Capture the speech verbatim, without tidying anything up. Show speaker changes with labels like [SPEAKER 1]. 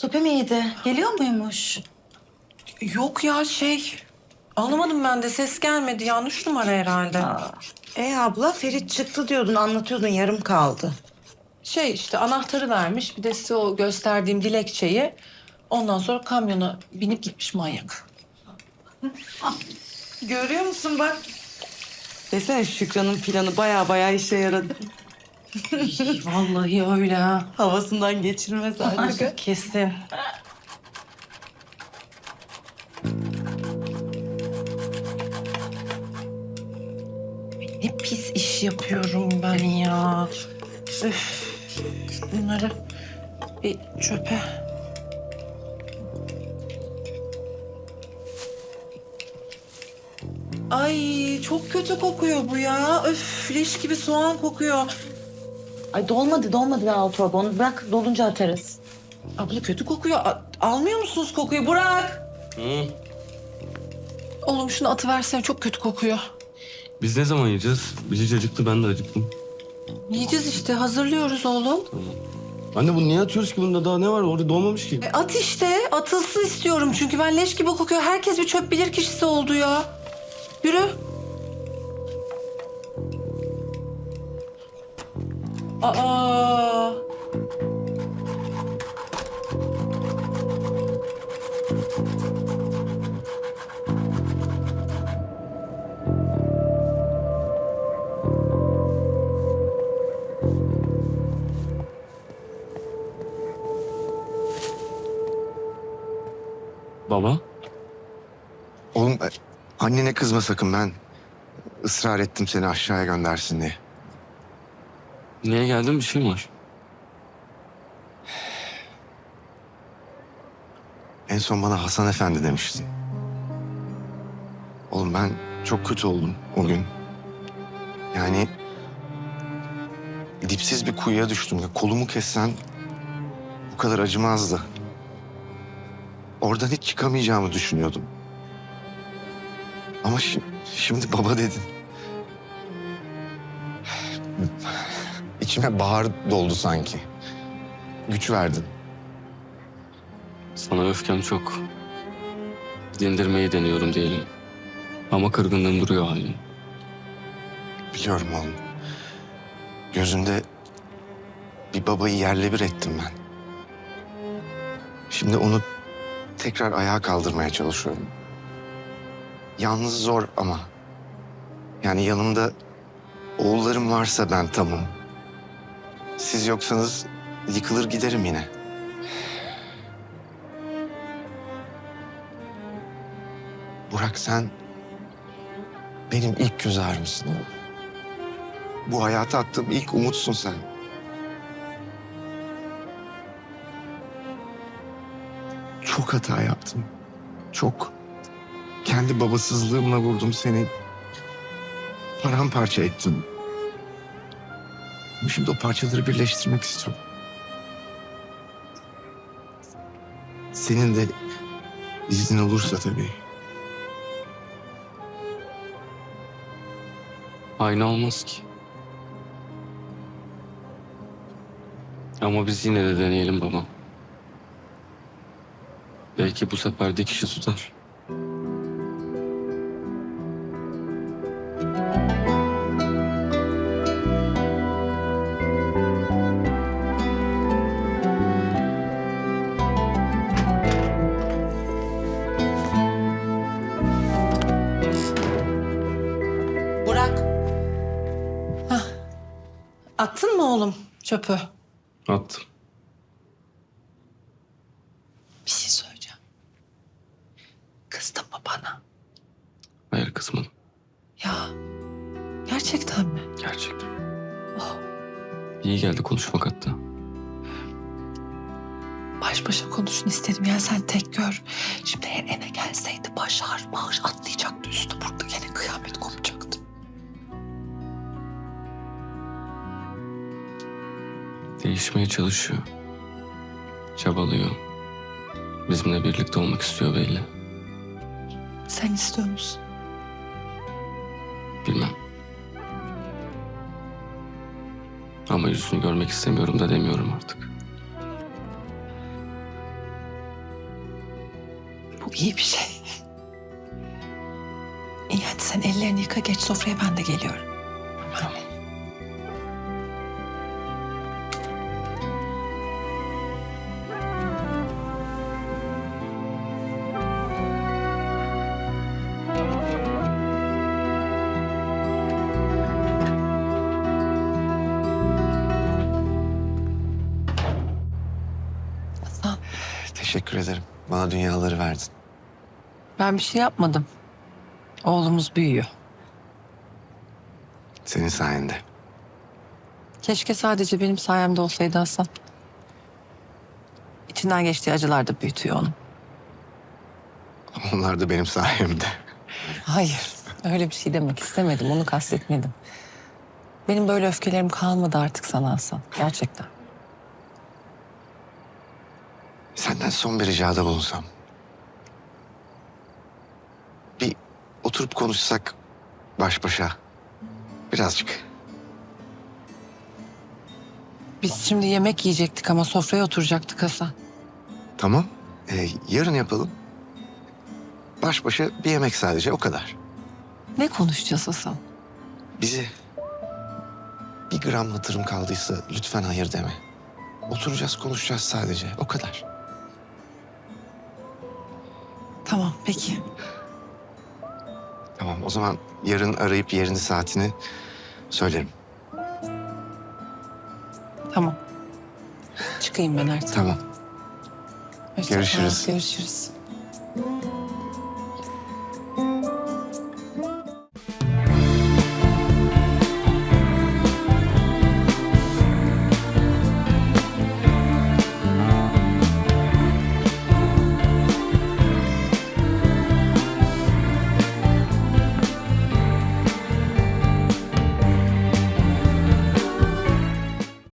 [SPEAKER 1] Sopi miydi? Geliyor muymuş?
[SPEAKER 2] Yok ya şey... Anlamadım ben de ses gelmedi. Yanlış numara herhalde.
[SPEAKER 1] E abla Ferit çıktı diyordun, anlatıyordun, yarım kaldı.
[SPEAKER 2] Şey işte anahtarı vermiş. Bir de size o gösterdiğim dilekçeyi. Ondan sonra kamyona binip gitmiş manyak.
[SPEAKER 1] Görüyor musun bak? Desene Şükran'ın planı baya baya işe yaradı.
[SPEAKER 2] Vallahi öyle ha.
[SPEAKER 1] Havasından geçirmez artık.
[SPEAKER 2] Kesin. Ne pis iş yapıyorum ben ya. Üf. Bunları bir çöpe. Ay çok kötü kokuyor bu ya. Öf leş gibi soğan kokuyor.
[SPEAKER 1] Ay dolmadı dolmadı daha o torba, onu bırak dolunca atarız.
[SPEAKER 2] Abla kötü kokuyor. A- almıyor musunuz kokuyu? Burak!
[SPEAKER 3] Hı.
[SPEAKER 2] Oğlum şunu atıversene, çok kötü kokuyor.
[SPEAKER 3] Biz ne zaman yiyeceğiz? Bici acıktı, ben de acıktım.
[SPEAKER 2] Yiyeceğiz işte, hazırlıyoruz oğlum.
[SPEAKER 3] Anne bunu niye atıyoruz ki? Bunda daha ne var? Orada doğmamış ki.
[SPEAKER 2] E, at işte, atılsın istiyorum çünkü ben leş gibi kokuyor. Herkes bir çöp bilir kişisi oldu ya. Yürü. Aa.
[SPEAKER 3] Baba?
[SPEAKER 4] Oğlum e, annene kızma sakın, ben ısrar ettim seni aşağıya göndersin diye.
[SPEAKER 3] Niye geldin? Bir şey mi var?
[SPEAKER 4] En son bana Hasan Efendi demişti. Oğlum ben çok kötü oldum o gün. Yani dipsiz bir kuyuya düştüm. Ya, kolumu kessen bu kadar acımazdı. Oradan hiç çıkamayacağımı düşünüyordum. Ama şi- şimdi baba dedin. İçime bahar doldu sanki. Güç verdin.
[SPEAKER 3] Sana öfkem çok. Dindirmeyi deniyorum diyelim. Ama kırgınlığım duruyor hala.
[SPEAKER 4] Biliyorum oğlum. Gözünde bir babayı yerle bir ettim ben. Şimdi onu tekrar ayağa kaldırmaya çalışıyorum. Yalnız zor ama. Yani yanımda oğullarım varsa ben tamam. Siz yoksanız yıkılır giderim yine. Burak, sen benim ilk göz ağrımsın oğlum. Bu hayata attığım ilk umutsun sen. Çok hata yaptım. Çok. Kendi babasızlığımla vurdum seni. Paramparça ettim. Şimdi o parçaları birleştirmek istiyorum. Senin de iznin olursa tabii.
[SPEAKER 3] Aynı olmaz ki. Ama biz yine de deneyelim baba. Belki bu sefer dikişi tutar.
[SPEAKER 2] Burak. Hah. Attın mı oğlum çöpü?
[SPEAKER 3] Attım.
[SPEAKER 2] Bir şey söyleyeceğim. Kızdın mı bana?
[SPEAKER 3] Hayır kızmadım.
[SPEAKER 2] Ya gerçekten mi?
[SPEAKER 3] Gerçekten.
[SPEAKER 2] Oh,
[SPEAKER 3] İyi geldi konuşmak hatta.
[SPEAKER 2] baş başa konuşun istedim. Yani sen tek gör. Şimdi eğer eve gelseydi başar bağır atlayacaktı üstü. Burada gene kıyamet kopacaktı.
[SPEAKER 3] Değişmeye çalışıyor. Çabalıyor. Bizimle birlikte olmak istiyor belli.
[SPEAKER 2] Sen istiyor musun?
[SPEAKER 3] Bilmem. Ama yüzünü görmek istemiyorum da demiyorum artık.
[SPEAKER 2] iyi bir şey. İyi hadi sen ellerini yıka geç sofraya ben de geliyorum.
[SPEAKER 4] Tamam.
[SPEAKER 2] Hasan,
[SPEAKER 4] Teşekkür ederim. Bana dünyaları verdin.
[SPEAKER 2] ben bir şey yapmadım. Oğlumuz büyüyor.
[SPEAKER 4] Senin sayende.
[SPEAKER 2] Keşke sadece benim sayemde olsaydı Hasan. İçinden geçtiği acılar da büyütüyor onu.
[SPEAKER 4] Onlar da benim sayemde.
[SPEAKER 2] Hayır, öyle bir şey demek istemedim. Onu kastetmedim. Benim böyle öfkelerim kalmadı artık sana Hasan. Gerçekten.
[SPEAKER 4] Senden son bir ricada bulunsam. Bir oturup konuşsak baş başa. Birazcık.
[SPEAKER 2] Biz şimdi yemek yiyecektik ama sofraya oturacaktık Hasan.
[SPEAKER 4] Tamam. Ee, yarın yapalım. Baş başa bir yemek sadece o kadar.
[SPEAKER 2] Ne konuşacağız Hasan?
[SPEAKER 4] Bizi bir gram hatırım kaldıysa lütfen hayır deme. Oturacağız konuşacağız sadece o kadar.
[SPEAKER 2] Tamam, peki.
[SPEAKER 4] Tamam o zaman yarın arayıp yerini saatini söylerim.
[SPEAKER 2] Tamam. Çıkayım ben artık.
[SPEAKER 4] Tamam.
[SPEAKER 2] Hoşça kal,
[SPEAKER 4] görüşürüz.
[SPEAKER 2] Görüşürüz.